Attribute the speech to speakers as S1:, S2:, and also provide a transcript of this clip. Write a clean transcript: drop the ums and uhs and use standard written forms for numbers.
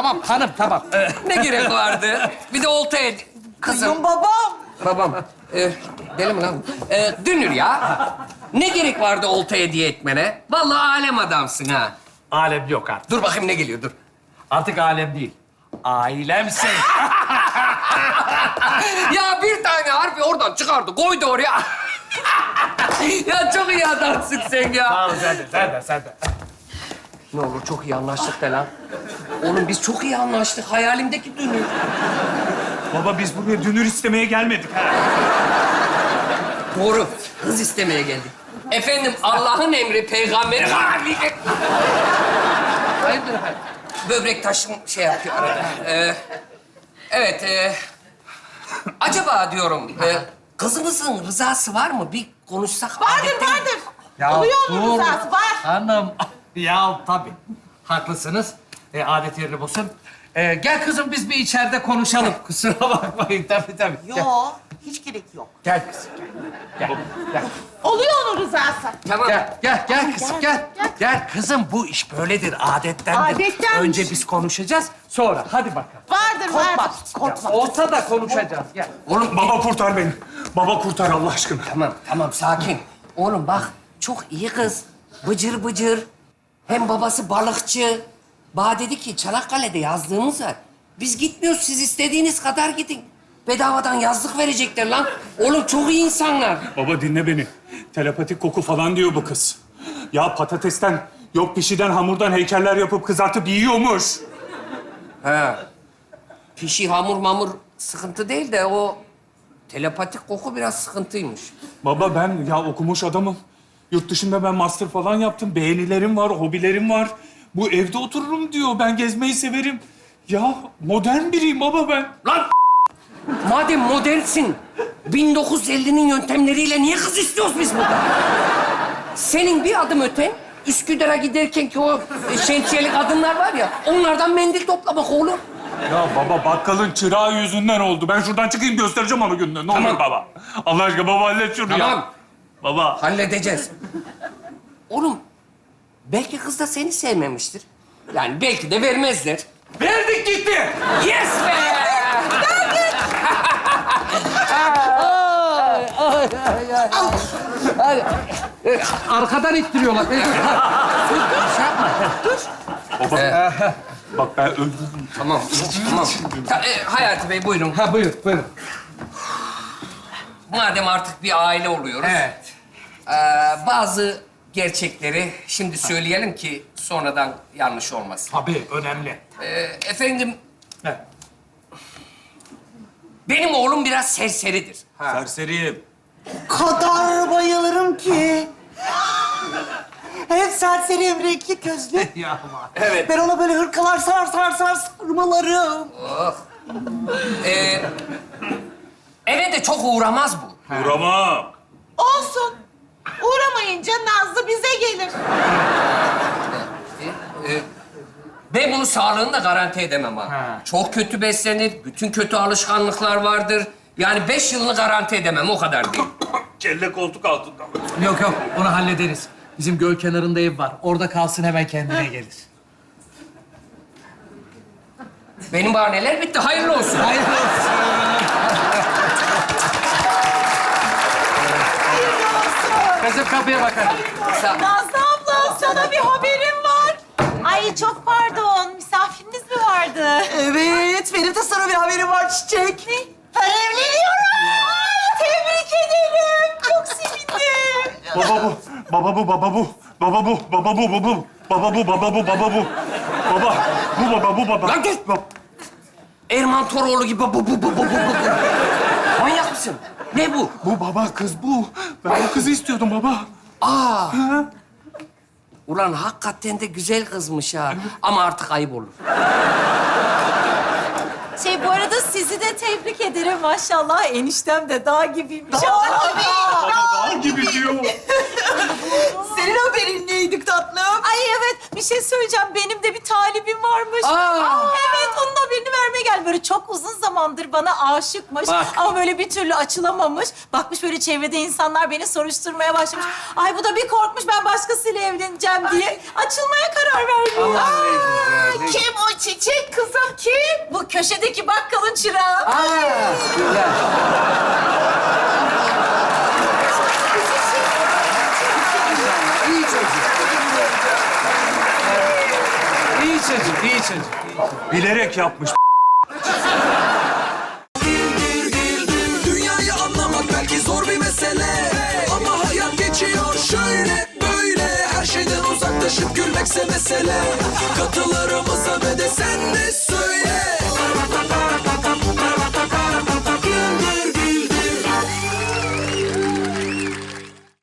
S1: tamam hanım, tamam.
S2: Ne gerek vardı? Bir de oltaya... Kızım.
S3: babam.
S2: Babam. Deli mi lan? Dünür ya. Ne gerek vardı olta hediye etmene? Vallahi alem adamsın ha.
S1: Alem yok artık.
S2: Dur bakayım ne geliyor, dur.
S1: Artık alem değil. Ailemsin.
S2: Ya bir tane harfi oradan çıkardı, koydu oraya. Ya çok iyi adamsın sen ya.
S1: Sağ ol, sen de.
S2: Ne olur çok iyi anlaştık de lan. Oğlum biz çok iyi anlaştık. Hayalimdeki Dünür.
S4: Baba biz buraya dünür istemeye gelmedik ha.
S2: Doğru. Kız istemeye geldik. Efendim Allah'ın emri peygamberi... Hayırdır efendim? Böbrek taşım şey yapıyor arada. Evet. Acaba diyorum kızımızın rızası var mı? Bir konuşsak.
S3: Vardır.
S1: Ya
S3: Oluyor onun rızası, var.
S1: Hanım. Ya tabii. Haklısınız. Adet yerini bulsun. Gel kızım biz bir içeride konuşalım. Kusura bakmayın. Tabii. Gel.
S3: Yo, hiç gerek yok.
S1: Gel kızım. Gel.
S3: Oluyor onun rızası.
S2: Tamam.
S1: Gel kızım gel. Gel kızım bu iş böyledir, adettendir.
S3: Adettenmiş.
S1: Önce biz konuşacağız, sonra hadi bakalım.
S3: Vardır. Korkma.
S1: Olsa da konuşacağız. Gel.
S2: Oğlum
S4: Baba kurtar beni. Baba kurtar Allah aşkına.
S2: Tamam sakin. Oğlum bak çok iyi kız. Bıcır bıcır. Hem babası balıkçı. Bana dedi ki Çanakkale'de yazlığımız var. Biz gitmiyoruz, siz istediğiniz kadar gidin. Bedavadan yazlık verecekler lan. Oğlum çok iyi insanlar.
S4: Baba dinle beni. Telepatik koku falan diyor bu kız. Ya patatesten, yok pişiden, hamurdan heykeller yapıp kızartıp yiyormuş.
S2: He. Pişi, hamur mamur sıkıntı değil de o telepatik koku biraz sıkıntıymış.
S4: Baba ben ya okumuş adamım. Yurt dışında ben master falan yaptım. Beğenilerim var, hobilerim var. Bu evde otururum diyor. Ben gezmeyi severim. Ya modern biriyim baba ben.
S2: Lan madem modernsin, 1950'nin yöntemleriyle niye kız istiyoruz biz burada? Senin bir adım öten, Üsküdar'a giderken ki o şemsiyeli kadınlar var ya, onlardan mendil toplamak oğlum.
S4: Ya baba bakkalın çırağı yüzünden oldu. Ben şuradan çıkayım göstereceğim ama gününü. Ne olur baba. Allah aşkına baba hallet şunu ya.
S2: Tamam,
S4: Baba.
S2: halledeceğiz. Oğlum, belki kız da seni sevmemiştir. Yani belki de vermezler. Verdik gitti. Yes be!
S1: Arkadan ittiriyorlar.
S4: Baba. Bak ben öldüm.
S2: Tamam. Hayati Bey buyurun.
S1: Ha buyurun.
S2: Madem artık bir aile oluyoruz.
S1: Evet.
S2: Bazı gerçekleri şimdi söyleyelim ki sonradan yanlış olmasın.
S1: Tabii önemli.
S2: Efendim,
S1: Evet.
S2: benim oğlum biraz serseridir.
S4: Serseriyim.
S3: Kadar bayılırım ki. Hep serseri renkli gözlü.
S1: Ya
S2: Evet.
S3: Ben ona böyle hırkalar sarmalarım.
S2: Eve de çok uğramaz bu.
S4: Uğramam.
S3: Olsun. Uğramayınca Nazlı bize gelir.
S2: Ben bunu sağlığını da garanti edemem ha.
S1: Ha.
S2: Çok kötü beslenir, bütün kötü alışkanlıklar vardır. Yani 5 yılını garanti edemem, o kadar değil.
S4: Kelle koltuk altında.
S1: Yok onu hallederiz. Bizim göl kenarında ev var. Orada kalsın hemen kendine gelir.
S2: Benim bahaneler bitti, hayırlı olsun.
S1: Hayırlı olsun. Kızım kapıya bakar.
S5: Nazlı abla, sana bir haberim var. Ay çok pardon, misafiriniz mi vardı?
S3: Evet, benim de sana bir haberim var Çiçek.
S5: Ne? Ben evleniyorum. Aa, tebrik ederim. Çok sevindim.
S4: Baba bu. Baba bu. Baba bu. Baba bu. Baba bu. Baba bu. Baba bu. Baba bu. Baba bu. Baba. Bu baba. Bu baba.
S2: Lan git! Erman Toroğlu gibi bu. Manyak mısın? Ne bu?
S4: Bu baba kız bu. Ben o kızı istiyordum baba.
S2: Aa! Ulan hakikaten de güzel kızmış ha. Ama artık ayıp olur.
S5: Bu arada sizi de tebrik ederim. Maşallah eniştem de dağ gibiymiş.
S4: Dağ gibi diyor.
S3: Senin haberin neydi tatlım?
S5: Ay evet, bir şey söyleyeceğim. Benim de bir talibim varmış.
S2: Aa!
S5: Evet, onun haberini vermeye geldi. Böyle çok uzun zamandır bana aşıkmış.
S2: Bak.
S5: Ama böyle bir türlü açılamamış. Bakmış böyle çevrede insanlar beni soruşturmaya başlamış. Ay bu da bir korkmuş ben başkasıyla evleneceğim diye. Açılmaya karar vermiş.
S2: Allah ne güzel.
S3: Ay kim o çiçek kızım kim?
S5: Bu köşedeki bakkalın çırağı.
S2: Aa, güzel. İyi çocuk.
S1: İyi çocuk, iyi çocuk.
S4: Bilerek yapmış.
S6: Dünyayı anlamak belki zor bir mesele, ama hayat geçiyor şöyle böyle. Her şeyden uzaklaşıp gülmekse mesele. Katılarımıza ve de sen de